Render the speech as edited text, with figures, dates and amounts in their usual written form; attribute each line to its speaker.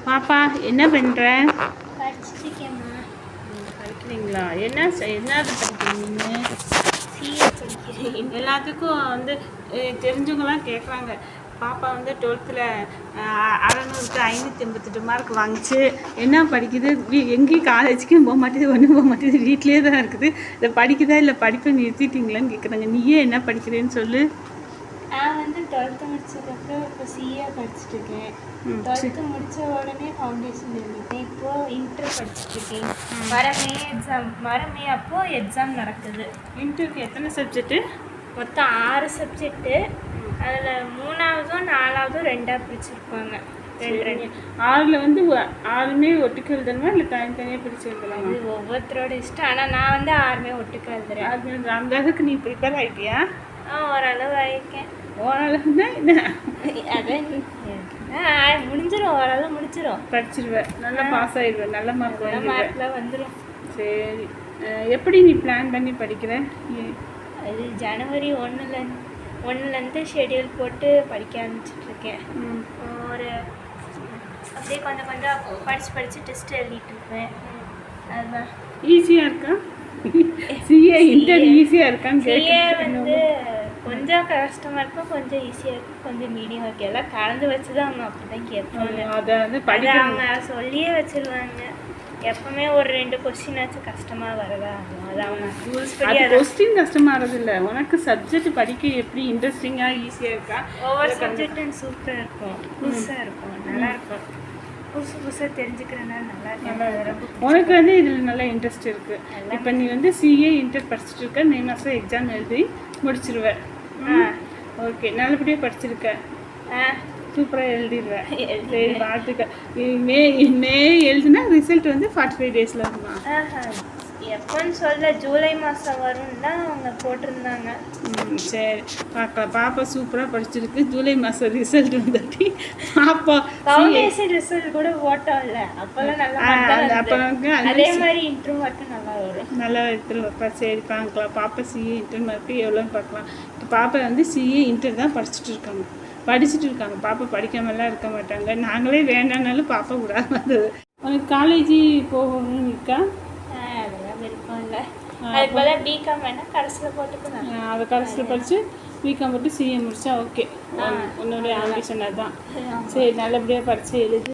Speaker 1: பாப்பா என்ன பண்ணுற?
Speaker 2: படிச்சுட்டுருக்கேம்மா.
Speaker 1: படிக்கிறீங்களா? என்னது படிக்கிறீங்க?
Speaker 2: சிஏ படிக்கிறேன்.
Speaker 1: எல்லாத்துக்கும் வந்து தெரிஞ்சவங்களாம் கேட்குறாங்க. பாப்பா வந்து 12th 600க்கு 588 மார்க் வாங்கிச்சு. என்ன படிக்குது? எங்கேயும் காலேஜுக்கும் போக மாட்டேது, ஒன்றும் போக மாட்டேது, வீட்லேயே தான் இருக்குது. இதை படிக்குதா இல்லை படிப்பை நிறுத்திட்டீங்களான்னு கேட்குறாங்க. நீயே என்ன படிக்கிறேன்னு சொல்லு.
Speaker 2: நான் வந்து 12th முடிச்சதுக்கப்புறம் இப்போ சிஏ படிச்சுட்ருக்கேன். 12th முடித்த உடனே ஃபவுண்டேஷன் எழுதிட்டேன். இப்போது இன்டர் படிச்சுட்ருக்கேன். வர மே அப்போது எக்ஸாம் நடக்குது.
Speaker 1: இன்டருக்கு எத்தனை சப்ஜெக்ட்டு?
Speaker 2: மொத்தம் 6 சப்ஜெக்ட்டு. அதில் 3ஆவதும் 4ஆவதும் 2ஆக பிரிச்சுருப்பாங்க. 2
Speaker 1: 6ல் வந்து 6மே ஒட்டுக்கு எழுதணுமா இல்லை தனித்தனியாக பிரித்து எழுதலாமா?
Speaker 2: இது ஒவ்வொருத்தரோட இஷ்டம். ஆனால் நான் வந்து 6மே ஒட்டுக்கு எழுதுறேன்.
Speaker 1: அந்த அளவுக்கு நீ ப்ரிப்பேர் ஆகிட்டியா?
Speaker 2: ஓரளவு ஆகிருக்கேன்.
Speaker 1: ஓரளவுனா என்ன?
Speaker 2: அதான் முடிஞ்சிடும், ஓரளவு முடிச்சிடும்.
Speaker 1: படிச்சிருவேன், நல்லா பாஸ் ஆயிடுவேன், நல்ல
Speaker 2: மார்க்கில் வந்துடும்.
Speaker 1: சரி, எப்படி நீ பிளான் பண்ணி படிக்கிற?
Speaker 2: அது ஜனவரி 1லேருந்து ஷெடியூல் போட்டு படிக்க ஆரம்பிச்சிட்ருக்கேன். ஒரு அப்படியே கொஞ்சம் கொஞ்சம் படித்து டெஸ்ட் எழுதிட்டு இருப்பேன். அதுதான்
Speaker 1: ஈஸியாக இருக்கா? சிஏ இன்டர் ஈஸியாக இருக்கான்னு
Speaker 2: சிஏ வந்து கொஞ்சம் கஷ்டமாக இருக்கும், கொஞ்சம் ஈஸியாக இருக்கும், கொஞ்சம் மீடியம் இருக்குது. எல்லாம் கலந்து வச்சு தான் அவங்க அப்படி தான் கேட்பாங்க.
Speaker 1: அதை வந்து
Speaker 2: அவங்க சொல்லியே வச்சுருவாங்க. எப்பவுமே ஒரு 2 கொஸ்டினாச்சும் கஷ்டமாக வரதா, அது அவங்க ரூல்ஸ் படி.
Speaker 1: கொஸ்டின் கஷ்டமாகிறது இல்லை, உனக்கு சப்ஜெக்ட் படிக்க எப்படி இன்ட்ரெஸ்டிங்காக ஈஸியாக இருக்கா?
Speaker 2: ஒவ்வொரு சப்ஜெக்டும் சூப்பராக இருக்கும், புதுசாக இருக்கும், நல்லாயிருக்கும். புதுசாக தெரிஞ்சுக்கிறதுனால நல்லா இருக்கும்.
Speaker 1: உனக்கு வந்து இதில் நல்லா இன்ட்ரெஸ்ட் இருக்குது. இப்போ நீ வந்து சிஏ இன்டர் படிச்சுட்டு இருக்க, மே மாதம் எக்ஸாம் எழுதி முடிச்சிருவேன். ஓகே, நல்லபடியாக படிச்சிருக்க, சூப்பராக எழுதிடுவேன். சரி, வாழ்த்துக்க. மே எழுதுனா ரிசல்ட் வந்து 45 daysல இருக்குமா?
Speaker 2: எப்போன்னு சொல்ல, ஜூலை மாதம் வரும்னு தான் அவங்க போட்டிருந்தாங்க.
Speaker 1: சரி, பார்க்கலாம். பாப்பா சூப்பராக படிச்சிருக்கு. ஜூலை மாதம் ரிசல்ட் வந்துட்டு பாப்பா
Speaker 2: ஃபவுண்டேஷன் ரிசல்ட் கூட ஓட்டம் இல்லை, அப்போல்லாம் நல்லா அப்போ அதே மாதிரி இன்டர்வியூ மட்டும் நல்லா வரும்.
Speaker 1: நல்லா எடுத்துருவாப்பா. சரி, பார்க்கலாம். பாப்பா சிஏ இன்டர் மார்க்கு எவ்வளோன்னு பார்க்கலாம். இப்போ பாப்பா வந்து சிஏ இன்டர் தான் படிச்சுட்டு இருக்காங்க. பாப்பா படிக்காமலாம் இருக்க மாட்டாங்க. நாங்களே வேண்டானாலும் பாப்பா விடாது. உனக்கு காலேஜ் போகணும்னு இருக்கா?
Speaker 2: அதெல்லாம் விருப்பம் இல்லை. அதுக்கு போல பிகாம் வேணால் கடைசியில் போட்டுக்கணும்.
Speaker 1: அதை கடைசியில் படித்து பிகாம் போட்டு சிஏ முடிச்சா ஓகே. உன்னுடைய ஆம்பிஷன் அதுதான். சரி, நல்லபடியாக படித்து எழுது.